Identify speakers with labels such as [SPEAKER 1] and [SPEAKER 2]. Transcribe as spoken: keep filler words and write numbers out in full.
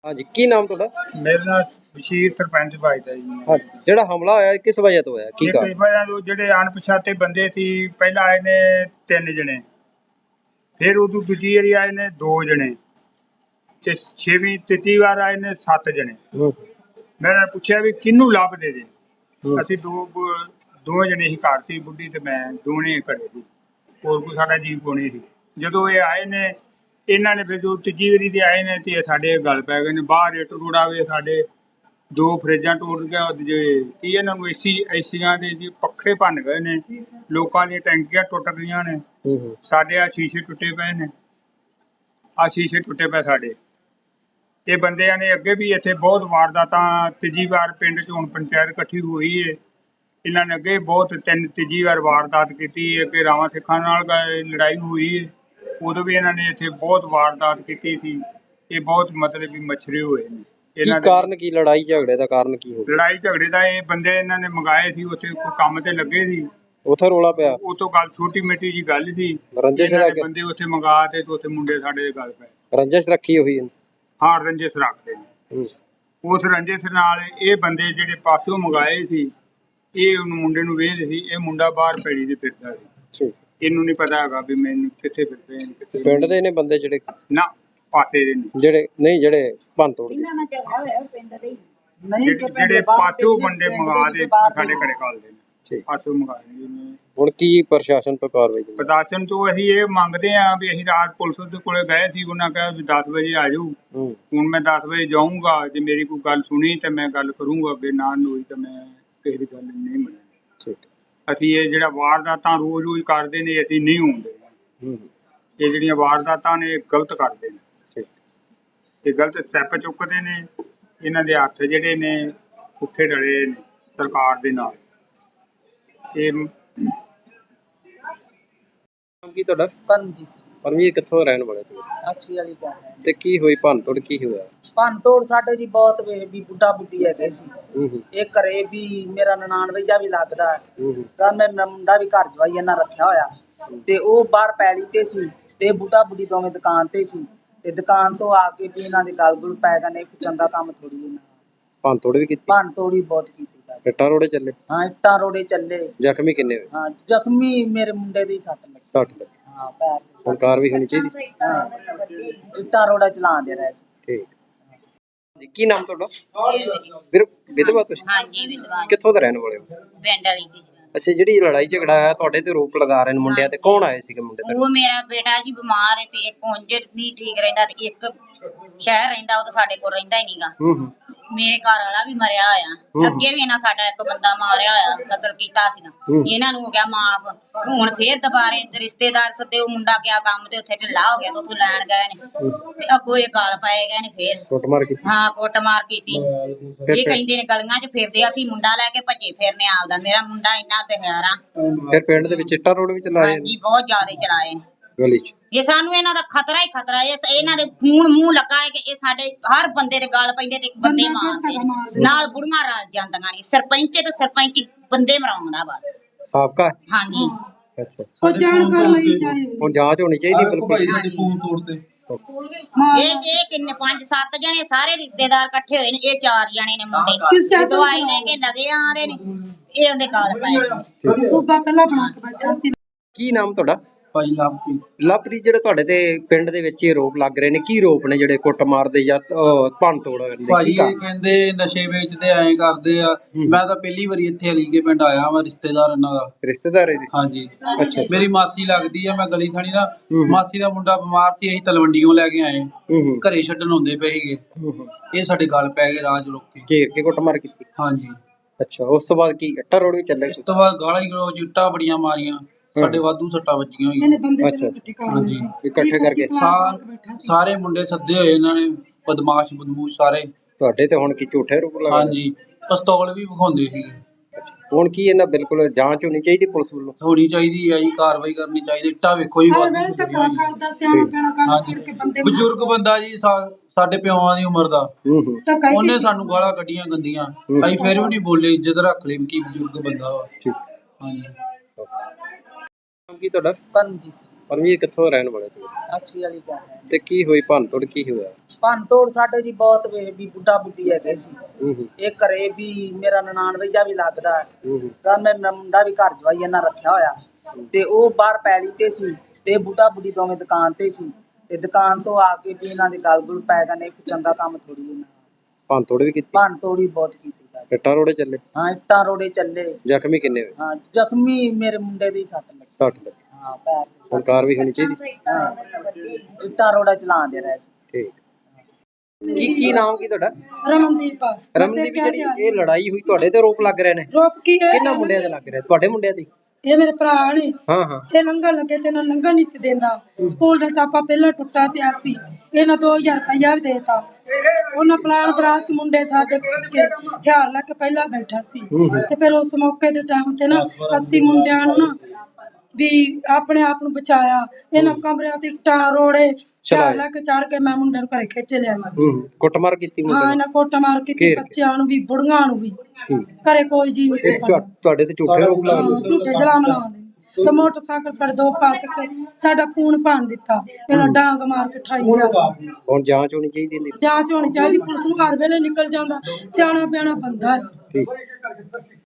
[SPEAKER 1] ਹਾਂਜੀ, ਕੀ ਨਾਮ ਤੁਹਾਡਾ?
[SPEAKER 2] मेरा नाम बशीर सरपंच भाईदा जी।
[SPEAKER 1] ਹਾਂ, ਜਿਹੜਾ ਹਮਲਾ ਹੋਇਆ ਇਹ ਕਿਸ ਵਜ੍ਹਾ ਤੋਂ ਹੋਇਆ, ਕੀ
[SPEAKER 2] ਇਹ
[SPEAKER 1] ਕਾਰਨ?
[SPEAKER 2] ਕਈ ਵਾਰ ਉਹ ਜਿਹੜੇ ਅਣਪਛਾਤੇ ਬੰਦੇ ਸੀ, ਪਹਿਲਾਂ ਆਏ ਨੇ ਤਿੰਨ ਜਣੇ, ਫਿਰ ਉਦੋਂ ਦੂਜੀ ਵਾਰੀ ਆਏ ਨੇ ਦੋ ਜਣੇ, ਤੇ ਛੇਵੀਂ ਤੀਜੀ ਵਾਰ ਆਏ ਨੇ ਸੱਤ ਜਣੇ।
[SPEAKER 1] ਹੂੰ
[SPEAKER 2] ਮੈਂ ਇਹਨਾਂ ਨੂੰ ਪੁੱਛਿਆ ਵੀ ਕਿਹਨੂੰ ਲੱਭਦੇ ਜੇ?
[SPEAKER 1] ਹੂੰ
[SPEAKER 2] ਅਸੀਂ ਦੋ ਬ- ਦੋ ਜਣੇ ਹੀ ਘਰ ਸੀ, ਬੁੱਢੀ ਤੇ ਮੈਂ, ਦੋਨੇ ਘਰੇ ਸੀ, ਹੋਰ ਕੋਈ ਸਾਡਾ ਜੀਵ ਕੋਣੀ ਸੀ। ਜਦੋਂ ਇਹ ਆਏ ਨੇ, ਇਹਨਾਂ ਨੇ ਫਿਰ ਜੋ ਤੀਜੀ ਵਾਰੀ ਦੇ ਆਏ ਨੇ ਤੇ ਇਹ ਸਾਡੇ ਗੱਲ ਪੈ ਗਏ ਨੇ। ਬਾਹਰ ਇੱਟ ਰੋੜਾ ਵੇ, ਸਾਡੇ ਦੋ ਫਰਿੱਜਾਂ ਟੁੱਟ ਗਿਆ, ਜੇ ਕੀ ਇਹਨਾਂ ਨੂੰ ਏਸੀ ਏਸੀਆਂ ਦੇ ਜੀ ਪੱਖੇ ਭੰਨ ਗਏ ਨੇ, ਲੋਕਾਂ ਦੀਆਂ ਟੈਂਕੀਆਂ ਟੁੱਟ ਗਈਆਂ ਨੇ,
[SPEAKER 1] ਹੂੰ ਹੂੰ
[SPEAKER 2] ਸਾਡੇ ਆ ਸ਼ੀਸ਼ੇ ਟੁੱਟੇ ਪਏ ਨੇ, ਆ ਸ਼ੀਸ਼ੇ ਟੁੱਟੇ ਪਏ ਸਾਡੇ। ਇਹ ਬੰਦਿਆਂ ਨੇ ਅੱਗੇ ਵੀ ਇੱਥੇ ਬਹੁਤ ਵਾਰਦਾਤਾਂ, ਤੀਜੀ ਵਾਰ ਪਿੰਡ 'ਚ ਹੁਣ ਪੰਚਾਇਤ ਇਕੱਠੀ ਹੋਈ ਏ, ਇਹਨਾਂ ਨੇ ਅੱਗੇ ਬਹੁਤ ਤਿੰਨ ਤੀਜੀ ਵਾਰ ਵਾਰਦਾਤ ਕੀਤੀ। ਅੱਗੇ ਰਾਵਾਂ ਸਿੱਖਾਂ ਨਾਲ ਗ- ਲੜਾਈ ਹੋਈ ਏ, ਉਦੋਂ ਵੀ ਇਹਨਾਂ ਨੇ ਇੱਥੇ ਬਹੁਤ ਵਾਰਦਾਤ ਕੀਤੀ ਸੀ। ਇਹ ਬਹੁਤ ਮਤਲਬ ਵੀ ਮਛਰੇ ਹੋਏ ਨੇ
[SPEAKER 1] ਕੀ
[SPEAKER 2] ਇਹਨਾਂ ਦੇ।
[SPEAKER 1] ਕਾਰਨ, ਕੀ ਲੜਾਈ ਝਗੜੇ ਦਾ ਕਾਰਨ ਕੀ ਹੋ ਗਿਆ?
[SPEAKER 2] ਲੜਾਈ ਝਗੜੇ ਦਾ ਇਹ ਬੰਦੇ ਇਹਨਾਂ ਨੇ ਮੰਗਾਏ ਸੀ, ਉੱਥੇ ਕੋਈ ਕੰਮ ਤੇ ਲੱਗੇ ਸੀ,
[SPEAKER 1] ਉੱਥੇ ਰੋਲਾ ਪਿਆ,
[SPEAKER 2] ਉਹ ਤੋਂ ਗੱਲ ਛੋਟੀ ਮਿੱਟੀ ਜੀ ਗੱਲ ਸੀ।
[SPEAKER 1] ਰੰਜਿਸ਼
[SPEAKER 2] ਇਹਨਾਂ
[SPEAKER 1] ਰੱਖ
[SPEAKER 2] ਨੇ ਬੰਦੇ ਉੱਥੇ ਮੰਗਾ ਤੇ ਤੇ ਉੱਥੇ ਮੁੰਡੇ ਸਾਡੇ ਦੇ ਗੱਲ ਪਏ।
[SPEAKER 1] ਰੰਜਿਸ਼ ਰੱਖੀ ਹੋਈ ਹੈ।
[SPEAKER 2] ਹਾਂ, ਰੰਜਿਸ਼ ਰੱਖਦੇ ਨੇ।
[SPEAKER 1] ਹੂੰ
[SPEAKER 2] ਉਸ ਰੰਜਿਸ਼ ਨਾਲ ਇਹ ਬੰਦੇ ਜਿਹੜੇ ਪਾਸੋਂ ਮੰਗਾਏ ਸੀ, ਇਹ ਉਹਨੂੰ ਮੁੰਡੇ ਨੂੰ ਵੇਖਦੇ ਸੀ। ਇਹ ਮੁੰਡਾ ਬਾਹਰ ਪੈੜੀ ਦੇ ਫਿਰਦਾ ਸੀ,
[SPEAKER 1] ਠੀਕ।
[SPEAKER 2] ਇਹਨੂੰ ਨਹੀਂ ਪਤਾ ਹੈਗਾ ਵੀ ਮੈਨੂੰ ਕਿੱਥੇ ਫਿਰਦੇ ਨੇ ਕਿੱਥੇ
[SPEAKER 1] ਪਿੰਡ ਦੇ ਨੇ ਬੰਦੇ ਜਿਹੜੇ
[SPEAKER 2] ਨਾ ਪਾਸੇ ਦੇ ਨੇ,
[SPEAKER 1] ਜਿਹੜੇ ਨਹੀਂ ਜਿਹੜੇ ਭੰਨ ਤੋੜ ਗਏ?
[SPEAKER 2] ਜਿਹੜੇ ਜਿਹੜੇ ਪਾਸੋਂ ਬੰਦੇ ਮੰਗਾ ਦੇ ਸਾਡੇ ਘਰੇ ਕਾਲਦੇ ਨੇ,
[SPEAKER 1] ਠੀਕ।
[SPEAKER 2] ਪਾਸੋਂ ਮੰਗਾਏ ਨੇ।
[SPEAKER 1] ਹੁਣ ਕੀ ਪ੍ਰਸ਼ਾਸਨ ਤੋਂ ਕਾਰਵਾਈ ਹੋਈ?
[SPEAKER 2] ਪ੍ਰਸ਼ਾਸਨ ਤੋਂ ਅਸੀਂ ਇਹ ਮੰਗਦੇ ਹਾਂ ਵੀ ਅਸੀਂ ਰਾਤ ਪੁਲਿਸ ਦੇ ਕੋਲੇ ਗਏ ਸੀ, ਉਹਨਾਂ ਕਿਹਾ ਵੀ ਦਸ ਵਜੇ ਆ ਜਾਓ।
[SPEAKER 1] ਹੂੰ
[SPEAKER 2] ਹੁਣ ਮੈਂ ਦਸ ਵਜੇ ਜਾਊਂਗਾ, ਜੇ ਮੇਰੀ ਕੋਈ ਗੱਲ ਸੁਣੀ ਤੇ ਮੈਂ ਗੱਲ ਕਰੂੰਗਾ, ਅੱਗੇ ਨਾ ਹੋਈ ਤਾਂ ਮੈਂ ਕਿਸੇ ਦੀ ਗੱਲ ਨਹੀਂ ਮੰਨਣੀ।
[SPEAKER 1] ਠੀਕ।
[SPEAKER 2] ਅਸੀਂ ਇਹ ਜਿਹੜਾ ਵਾਰਦਾਤਾਂ ਰੋਜ਼ ਰੋਜ਼ ਕਰਦੇ ਨੇ, ਅਸੀਂ ਨਹੀਂ ਹੁੰਦੇ।
[SPEAKER 1] ਹੂੰ
[SPEAKER 2] ਇਹ ਜਿਹੜੀਆਂ ਵਾਰਦਾਤਾਂ ਨੇ, ਇਹ ਗਲਤ ਕਰਦੇ ਨੇ,
[SPEAKER 1] ਠੀਕ।
[SPEAKER 2] ਇਹ ਗਲਤ ਸਟੈਪ ਚੁੱਕਦੇ ਨੇ। ਇਹਨਾਂ ਦੇ ਹੱਥ ਜਿਹੜੇ ਨੇ ਪੁੱਠੇ ਡਲੇ ਨੇ ਸਰਕਾਰ ਦੇ ਨਾਲ। ਇਹ
[SPEAKER 1] ਨਾਮ ਕੀ ਤੁਹਾਡਾ?
[SPEAKER 3] ਪਰਮਜੀਤ
[SPEAKER 1] ਪਰਮਜੀਤ, ਕਿੱਥੋਂ ਰਹਿਣ ਵਾਲੇ ਤੁਸੀਂ?
[SPEAKER 3] ਅੱਸੀ ਵਾਲੀ ਗੱਲ ਹੈ।
[SPEAKER 1] ਤੇ ਕੀ ਹੋਈ ਭੰਨ ਤੋੜ, ਕੀ ਹੋਇਆ?
[SPEAKER 3] ਭੰਨ ਤੋੜ ਸਾਡੇ ਜੀ ਬਹੁਤ ਵੇ ਵੀ ਬੁੱਢਾ ਬੁੱਢੀ ਹੈਗੇ ਸੀ।
[SPEAKER 1] ਹੂੰ ਹੂੰ
[SPEAKER 3] ਇਹ ਘਰੇ ਵੀ ਮੇਰਾ ਨਨਾਣ ਵਈਆ ਵੀ ਲੱਗਦਾ,
[SPEAKER 1] ਹੂੰ ਹੂੰ
[SPEAKER 3] ਤਾਂ ਮੈਂ ਮੇਰਾ ਮੁੰਡਾ ਵੀ ਘਰ ਜਵਾਈ ਇਹਨਾਂ ਰੱਖਿਆ ਹੋਇਆ, ਤੇ ਉਹ ਬਾਹਰ ਪੈਲੀ ਤੇ ਸੀ, ਤੇ ਬੁੱਢਾ ਬੁੱਢੀ ਦੋਵੇਂ ਦੁਕਾਨ ਤੇ ਸੀ। ਤੇ ਦੁਕਾਨ ਤੋਂ ਆ ਕੇ ਵੀ ਇਹਨਾਂ ਦੇ ਗਲ ਗੁਲ ਪੈ ਗਏ ਨੇ। ਕੋਈ ਚੰਗਾ ਕੰਮ ਥੋੜੀ ਇਹਨਾਂ
[SPEAKER 1] ਭੰਨ ਤੋੜ ਵੀ ਕੀਤੀ?
[SPEAKER 3] ਭੰਨ ਤੋੜੀ ਬਹੁਤ ਕੀਤੀ ਗੱਲ।
[SPEAKER 1] ਇੱਟਾਂ ਰੋੜੇ ਚੱਲੇ?
[SPEAKER 3] ਹਾਂ, ਇੱਟਾਂ ਰੋੜੇ ਚੱਲੇ।
[SPEAKER 1] ਜ਼ਖਮੀ ਕਿੰਨੇ ਹੋਏ?
[SPEAKER 3] ਹਾਂ, ਜ਼ਖਮੀ ਮੇਰੇ ਮੁੰਡੇ ਦੀ ਸੱਟ ਲੱਗੀ।
[SPEAKER 1] ਸੱਠ ਲੱਗੇ।
[SPEAKER 3] ਹਾਂ, ਪੈਰ ਤੇ ਸੱਟ।
[SPEAKER 1] ਸਰਕਾਰ ਵੀ ਹੋਣੀ ਚਾਹੀਦੀ।
[SPEAKER 3] ਹਾਂ, ਇੱਟਾਂ ਰੋੜਾ ਚਲਾਉਂਦੇ ਰਹੇ।
[SPEAKER 1] ਠੀਕ ਜੀ। ਕੀ ਨਾਮ ਤੁਹਾਡਾ? ਵੀਰ, ਵਿਧਵਾ ਤੁਸੀਂ?
[SPEAKER 4] ਹਾਂਜੀ ਵਿਦਵਾਨ
[SPEAKER 1] ਕਿੱਥੋਂ ਦੇ ਰਹਿਣ ਵਾਲੇ ਹੋ?
[SPEAKER 4] ਪਿੰਡ ਵਾਲੀ ਦੀ।
[SPEAKER 1] ਅੱਛਾ, ਜਿਹੜੀ ਲੜਾਈ ਝਗੜਾ ਆਇਆ ਤੁਹਾਡੇ ਤੇ ਰੋਪ ਲਗਾ ਰਹੇ ਨੇ ਮੁੰਡਿਆਂ ਤੇ, ਕੌਣ ਆਏ ਸੀਗੇ ਮੁੰਡੇ ਤੇ?
[SPEAKER 4] ਉਹ ਮੇਰਾ ਬੇਟਾ ਜੀ ਬਿਮਾਰ ਹੈ, ਤੇ ਇੱਕ ਉਂਝ ਨਹੀਂ ਠੀਕ ਰਹਿੰਦਾ, ਤੇ ਇੱਕ ਸ਼ਹਿਰ ਰਹਿੰਦਾ, ਉਹ ਤਾਂ ਸਾਡੇ ਕੋਲ ਰਹਿੰਦਾ ਹੀ ਨਹੀਂਗਾ।
[SPEAKER 1] ਹੂੰ ਹੂੰ
[SPEAKER 4] ਮੇਰੇ ਘਰ ਵਾਲਾ ਵੀ ਮਰਿਆ ਹੋਇਆ,
[SPEAKER 1] ਹੂੰ।
[SPEAKER 4] ਅੱਗੇ ਵੀ ਇਹਨਾਂ ਸਾਡਾ ਇੱਕ ਬੰਦਾ ਮਾਰਿਆ ਹੋਇਆ, ਕਤਲ ਕੀਤਾ ਸੀ ਨਾ,
[SPEAKER 1] ਹੂੰ।
[SPEAKER 4] ਇਹਨਾਂ ਨੂੰ ਹੋ ਗਿਆ ਮਾਫ। ਹੁਣ ਫੇਰ ਦੁਬਾਰੇ ਰਿਸ਼ਤੇਦਾਰ ਸੱਦੇ, ਉਹ ਮੁੰਡਾ ਗਿਆ ਕੰਮ ਤੇ ਉੱਥੇ ਢਿੱਲਾ ਹੋ ਗਿਆ, ਤੇ ਉੱਥੋਂ ਲੈਣ ਗਏ ਨੇ, ਤੇ ਅੱਗੋਂ ਇਹ ਗਾਲ ਪਾਏ ਗਏ ਨੇ ਫੇਰ।
[SPEAKER 1] ਕੁੱਟਮਾਰ ਕੀਤੀ?
[SPEAKER 4] ਹਾਂ, ਕੁੱਟਮਾਰ ਕੀਤੀ।
[SPEAKER 1] ਫਿਰ-
[SPEAKER 4] ਇਹ ਕਹਿੰਦੇ ਨੇ ਗਲੀਆਂ 'ਚ ਫਿਰਦੇ, ਅਸੀਂ ਮੁੰਡਾ ਲੈ ਕੇ ਭੱਜੇ ਫਿਰਨੇ ਆਪਦਾ। ਮੇਰਾ ਮੁੰਡਾ ਇੰਨਾ ਦਿਹਾਰਾ।
[SPEAKER 1] ਫਿਰ ਪਿੰਡ ਦੇ ਵਿੱਚ ਇੱਟਾਂ ਰੋਡ ਵੀ ਚਲਾਏ
[SPEAKER 4] ਹਾਂਜੀ, ਬਹੁਤ ਜ਼ਿਆਦਾ ਚਲਾਏ ਨੇ।
[SPEAKER 1] ਗਲੀ 'ਚ?
[SPEAKER 4] ਇਹ ਸਾਨੂੰ ਇਹਨਾਂ ਦਾ ਖਤਰਾ ਹੀ ਖਤਰਾ ਹੈ। ਇਹ ਇਹਨਾਂ ਦੇ ਖੂਨ ਮੂੰਹ ਲੱਗਾ ਹੈ ਕਿ ਇਹ ਸਾਡੇ ਹਰ ਬੰਦੇ ਦੇ ਗਲ ਪੈਂਦੇ ਤੇ ਬੰਦੇ ਮਾਰਦੇ ਨੇ, ਨਾਲ ਬੁੜੀਆਂ ਰਲ ਜਾਂਦੀਆਂ ਨੇ। ਸਰਪੰਚ ਤੇ ਸਰਪੰਚ ਬੰਦੇ ਮਰਾਉਂਦਾ ਬਸ।
[SPEAKER 1] ਸਾਬਕਾ?
[SPEAKER 4] ਹਾਂਜੀ,
[SPEAKER 1] ਅੱਛਾ।
[SPEAKER 5] ਉਹ ਜਾਣ ਕਰ ਲਈ ਚਾਹੇ
[SPEAKER 1] ਹੁਣ ਜਾਂਚ ਹੋਣੀ ਚਾਹੀਦੀ ਬਿਲਕੁਲ।
[SPEAKER 4] ਇਹ ਇਹ ਕਿੰਨੇ ਪੰਜ ਸੱਤ ਜਣੇ ਸਾਰੇ ਰਿਸ਼ਤੇਦਾਰ ਇਕੱਠੇ ਹੋਏ ਨੇ, ਇਹ ਚਾਰ ਜਣੇ ਨੇ ਮੁੰਡੇ।
[SPEAKER 5] ਕਿਸ
[SPEAKER 4] ਤੇ
[SPEAKER 5] ਚਾਹ ਤੋਂ
[SPEAKER 4] ਦਵਾਈ ਲੈ ਕੇ ਲਗੇ ਆਂਦੇ ਨੇ, ਇਹ ਉਹਦੇ ਗਲ ਪਏ ਨੇ।
[SPEAKER 5] ਸੂਬਾ ਪਹਿਲਾਂ ਬਣਾ ਕੇ ਬੈਠਾ ਸੀ।
[SPEAKER 1] ਕੀ ਨਾਮ ਤੁਹਾਡਾ?
[SPEAKER 3] ਭਾਈ ਲਾਪੀ
[SPEAKER 1] ਲਵਪ੍ਰੀਤ, ਜਿਹੜੇ ਤੁਹਾਡੇ ਤੇ ਪਿੰਡ ਦੇ ਵਿੱਚ ਇਹ ਰੋਪ ਲੱਗ ਰਹੇ ਨੇ, ਕੀ ਰੋਪ ਨੇ ਜਿਹੜੇ ਕੁੱਟ ਮਾਰਦੇ ਜਾਂ ਅਹ, ਭੰਨ ਤੋੜ ਕਰਦੇ?
[SPEAKER 6] ਭਾਜੀ
[SPEAKER 1] ਕੀ
[SPEAKER 6] ਇਹ
[SPEAKER 1] ਕਾਰਨ?
[SPEAKER 6] ਕਹਿੰਦੇ ਨਸ਼ੇ ਵੇਚਦੇ ਐਂ ਕਰਦੇ ਆ। ਮੈਂ ਤਾਂ ਪਹਿਲੀ ਵਾਰੀ ਇੱਥੇ ਅਲੀਗੇ ਪਿੰਡ ਆਇਆ ਵਾਂ, ਰਿਸ਼ਤੇਦਾਰ ਇਹਨਾਂ ਦਾ।
[SPEAKER 1] ਰਿਸ਼ਤੇਦਾਰ ਇਹਦੇ?
[SPEAKER 6] ਹਾਂਜੀ,
[SPEAKER 1] ਅੱਛਾ।
[SPEAKER 6] ਮੇਰੀ ਮਾਸੀ ਲੱਗਦੀ ਆ। ਮੈਂ ਗਲੀ ਥਾਣੀ ਦਾ,
[SPEAKER 1] ਹੂੰ।
[SPEAKER 6] ਮਾਸੀ ਦਾ ਮੁੰਡਾ ਬਿਮਾਰ ਸੀ, ਅਸੀਂ ਤਲਵੰਡੀਓਂ ਲੈ ਕੇ ਆਏ,
[SPEAKER 1] ਹੂੰ ਹੂੰ
[SPEAKER 6] ਘਰੇ ਛੱਡਣ ਹੁੰਦੇ ਪਏ ਸੀਗੇ।
[SPEAKER 1] ਹੂੰ ਹੂੰ।
[SPEAKER 6] ਇਹ ਸਾਡੇ ਗੱਲ ਪੈ ਗਏ ਰਾਜ ਰੋਕ ਕੇ।
[SPEAKER 1] ਘੇਰ ਕੇ ਕੁੱਟਮਾਰ ਕੀਤੀ?
[SPEAKER 6] ਹਾਂਜੀ,
[SPEAKER 1] ਅੱਛਾ, ਉਸ ਤੋਂ ਬਾਅਦ ਕੀ ਇੱਟਾਂ ਰੋਡ ਵੀ ਚੱਲੇ?
[SPEAKER 6] ਇਸ ਤੋਂ ਬਾਅਦ ਗਾਲਾਂ ਗਲੋਚ, ਇੱਟਾਂ ਬੜੀਆਂ ਮਾਰੀਆਂ, ਸਾਡੇ ਵਾਧੂ ਸੱਟਾਂ ਵੱਜੀਆਂ ਹੋਈਆਂ।
[SPEAKER 5] ਇਹਨੇ ਬੰਦੇ
[SPEAKER 1] ਅੱਛਾ।
[SPEAKER 5] ਪਹਿਲਾਂ ਇਕੱਠੇ ਕਰ ਲਏ
[SPEAKER 6] ਹਾਂਜੀ।
[SPEAKER 5] ਸੀ।
[SPEAKER 1] ਇਕੱਠੇ ਕਰਕੇ
[SPEAKER 6] ਸਾ- ਸਾਰੇ ਮੁੰਡੇ ਸੱਦੇ ਹੋਏ ਇਹਨਾਂ ਨੇ, ਬਦਮਾਸ਼ ਬਦਮੂਸ਼ ਸਾਰੇ।
[SPEAKER 1] ਤੁਹਾਡੇ ਤੇ ਹੁਣ ਕੀ ਝੂਠੇ ਰੋਪ ਲਗਾ ਰਹੇ?
[SPEAKER 6] ਹਾਂਜੀ, ਪਿਸਤੌਲ ਵੀ ਵਿਖਾਉਂਦੇ ਸੀ।
[SPEAKER 1] ਹੁਣ ਕੀ ਇਹਨਾਂ ਬਿਲਕੁਲ ਜਾਂਚ ਹੋਣੀ ਚਾਹੀਦੀ ਪੁਲਿਸ ਵੱਲੋਂ?
[SPEAKER 6] ਹੋਣੀ ਚਾਹੀਦੀ ਆ ਜੀ, ਕਾਰਵਾਈ ਕਰਨੀ ਚਾਹੀਦੀ। ਇੱਟਾਂ ਵੇਖੋ ਜੀ
[SPEAKER 5] ਹਰ
[SPEAKER 6] ਵਾਧੂ
[SPEAKER 5] ਵੇਲੇ
[SPEAKER 6] ਵੱਜੀਆਂ
[SPEAKER 5] ਧੱਕਾ
[SPEAKER 6] ਹੋਈਆਂ।
[SPEAKER 5] ਕਰਦਾ, ਸਿਆਣਾ ਪੈਣਾ ਕੰਮ
[SPEAKER 6] ਹਾਂਜੀ।
[SPEAKER 5] ਛੱਡ ਕੇ ਬੰਦੇ
[SPEAKER 6] ਬਜ਼ੁਰਗ ਬੰਦਾ ਜੀ, ਸਾ- ਸਾਡੇ ਪਿਓਾਂ ਦੀ ਉਮਰ ਦਾ,
[SPEAKER 1] ਹੂੰ ਹੂੰ
[SPEAKER 5] ਧੱਕਾ ਹੀ
[SPEAKER 6] ਉਹਨੇ
[SPEAKER 5] ਕੀਤਾ।
[SPEAKER 6] ਸਾਨੂੰ ਗਾਲਾਂ ਕੱਢੀਆਂ ਗੰਦੀਆਂ।
[SPEAKER 1] ਹੂੰ।
[SPEAKER 6] ਅਸੀਂ ਫਿਰ ਵੀ ਨਹੀਂ ਬੋਲੇ, ਇੱਜ਼ਤ ਰੱਖ ਲਈ ਕਿ ਬਜ਼ੁਰਗ ਬੰਦਾ ਵਾ।
[SPEAKER 1] ਠੀਕ।
[SPEAKER 6] ਹਾਂਜੀ।
[SPEAKER 1] ਨਾਮ ਕੀ ਤੁਹਾਡਾ?
[SPEAKER 3] ਪਰਮਜੀਤ
[SPEAKER 1] ਪਰਮਜੀਤ ਕਿੱਥੋਂ ਰਹਿਣ ਵਾਲੇ ਤੁਸੀਂ
[SPEAKER 3] ਅੱਸੀ ਵਾਲੀ ਗੱਲ ਹੈ।
[SPEAKER 1] ਤੇ ਕੀ ਹੋਈ ਭੰਨ ਤੋੜ ਕੀ ਹੋਇਆ?
[SPEAKER 3] ਭੰਨ ਤੋੜ ਸਾਡੇ ਜੀ ਬਹੁਤ ਵੇਖ ਵੀ ਬੁੱਢਾ ਬੁੱਢੀ ਹੈਗੇ ਸੀ।
[SPEAKER 1] ਹੂੰ ਹੂੰ
[SPEAKER 3] ਇਹ ਘਰੇ ਵੀ ਮੇਰਾ ਨਨਾਣ ਵਈਆ ਵੀ ਲੱਗਦਾ ਹੈ।
[SPEAKER 1] ਹੂੰ ਹੂੰ
[SPEAKER 3] ਤਾਂ ਮੈਂ ਮੇਰਾ ਮੁੰਡਾ ਵੀ ਘਰ ਜਵਾਈ ਇਹਨਾਂ ਰੱਖਿਆ ਹੋਇਆ ਤੇ ਉਹ ਬਾਹਰ ਪੈਲੀ ਤੇ ਸੀ ਤੇ ਬੁੱਢਾ ਬੁੱਢੀ ਦੋਵੇਂ ਦੁਕਾਨ ਤੇ ਸੀ ਤੇ ਦੁਕਾਨ ਤੋਂ ਆ ਕੇ ਵੀ ਇਹਨਾਂ ਦੇ ਗਲ ਗੁਲ ਪੈ ਗਏ ਨੇ। ਕੋਈ ਚੰਗਾ ਕੰਮ ਥੋੜੀ ਇਹਨਾਂ
[SPEAKER 1] ਭੰਨ ਤੋੜ ਵੀ ਕੀਤੀ?
[SPEAKER 3] ਭੰਨ ਤੋੜੀ ਬਹੁਤ ਕੀਤੀ ਗੱਲ।
[SPEAKER 1] ਇੱਟਾਂ ਰੋੜੇ ਚੱਲੇ?
[SPEAKER 3] ਹਾਂ ਇੱਟਾਂ ਰੋੜੇ ਚੱਲੇ।
[SPEAKER 1] ਜ਼ਖਮੀ ਕਿੰਨੇ ਹੋਏ?
[SPEAKER 3] ਹਾਂ ਜ਼ਖਮੀ ਮੇਰੇ ਮੁੰਡੇ ਦੀ ਸੱਟ ਲੱਗੀ।
[SPEAKER 1] ਸੱਠ ਲੱਗੇ।
[SPEAKER 3] ਹਾਂ ਪੈਰ ਤੇ ਸੱਟ।
[SPEAKER 1] ਸਰਕਾਰ ਵੀ ਹੋਣੀ ਚਾਹੀਦੀ।
[SPEAKER 3] ਹਾਂ ਇੱਟਾਂ ਰੋੜਾ ਚਲਾਉਂਦੇ ਰਹੇ।
[SPEAKER 1] ਠੀਕ। ਕੀ ਕੀ ਨਾਮ ਕੀ ਤੁਹਾਡਾ?
[SPEAKER 5] ਰਮਨਦੀਪ ਆ।
[SPEAKER 1] ਰਮਨਦੀਪ, ਜਿਹੜੀ ਇਹ ਲੜਾਈ ਹੋਈ ਤੁਹਾਡੇ ਤੇ ਆਰੋਪ ਲੱਗ ਰਹੇ ਨੇ,
[SPEAKER 5] ਰੋਪ ਕੀ ਹੈ?
[SPEAKER 1] ਕਿੰਨਾ ਮੁੰਡਿਆਂ ਦੇ ਲੱਗ ਰਿਹਾ? ਤੁਹਾਡੇ ਮੁੰਡਿਆਂ ਦੇ?
[SPEAKER 5] ਇਹ ਮੇਰੇ ਭਰਾ ਨੇ।
[SPEAKER 1] ਹਾਂ ਹਾਂ
[SPEAKER 5] ਇਹ ਲੰਘਣ ਲੱਗੇ ਤੇ ਇਹਨਾਂ ਲੰਘਣ ਨਹੀਂ ਸੀ ਦਿੰਦਾ। ਸਕੂਲ ਦਾ ਟਾਪਾ ਪਹਿਲਾਂ ਟੁੱਟਾ ਪਿਆ ਸੀ, ਇਹਨਾਂ ਦੋ ਹਜ਼ਾਰ ਰੁਪਇਆ ਵੀ ਦੇਤਾ। ਉਹਨਾਂ ਪਲਾਨ ਬਰਾ ਸੀ ਮੁੰਡੇ ਸਾਡੇ ਕੇ ਹਥਿਆਰ ਲੈ ਕੇ ਪਹਿਲਾਂ ਬੈਠਾ ਸੀ ਤੇ ਫਿਰ ਉਸ ਮੌਕੇ ਦੇ ਟਾਈਮ ਤੇ ਨਾ ਅਸੀਂ ਮੁੰਡਿਆਂ ਨੂੰ ਨਾ ਵੀ ਆਪਣੇ ਆਪ ਨੂੰ ਬਚਾਇਆ। ਇਹਨਾਂ ਕਮਰਿਆਂ ਤੇ ਇੱਟਾਂ ਰੋੜੇ ਹਥਿਆਰ ਲੈ ਕੇ ਚੜ ਕੇ ਮੈਂ ਮੁੰਡੇ ਨੂੰ ਘਰੇ ਖਿੱਚ ਲਿਆ। ਮੈਂ
[SPEAKER 1] ਹੂੰ ਕੁੱਟਮਾਰ ਕੀਤੀ ਮੁੰਡੇ
[SPEAKER 5] ਹਾਂ
[SPEAKER 1] ਨੇ?
[SPEAKER 5] ਇਹਨਾਂ ਕੋਟ ਮਾਰ ਕੀਤੀ,
[SPEAKER 1] ਘੇਰ ਕੇ।
[SPEAKER 5] ਬੱਚਿਆਂ ਨੂੰ ਵੀ ਬੁੜੀਆਂ ਨੂੰ ਵੀ।
[SPEAKER 1] ਠੀਕ।
[SPEAKER 5] ਘਰੇ ਕੋਈ ਜੀ ਨਹੀਂ ਸੀ
[SPEAKER 1] ਇਹ ਤੁਹਾ- ਤੁਹਾਡੇ ਤੇ ਝੂਠੇ ਆਰੋਪ ਲੱਗ ਰਹੇ?
[SPEAKER 5] ਹਾਂ, ਝੂਠੇ ਜਲਾਮ ਲਾਉਂਦੇ ਤੇ ਮੋਟਰਸਾਈਕਲ ਸਾਡੇ ਦੋ ਪਾਸ ਕੇ ਸਾਡਾ ਫੋਨ ਭੰਨ ਦਿੱਤਾ। ਇਹਨਾਂ ਡਾਂਗ ਮਾਰ ਕੇ ਠਾਈ ਗਿਆ।
[SPEAKER 1] ਹੁਣ ਜਾਂਚ ਹੋਣੀ ਚਾਹੀਦੀ ਇਹਦੀ।
[SPEAKER 5] ਜਾਂਚ ਹੋਣੀ ਚਾਹੀਦੀ, ਪੁਲਿਸ ਨੂੰ ਹਰ ਵੇਲੇ ਨਿਕਲ ਜਾਂਦਾ। ਸਿਆਣਾ ਪਿਆਣਾ ਬੰਦਾ ਹੈ।
[SPEAKER 1] ਠੀਕ।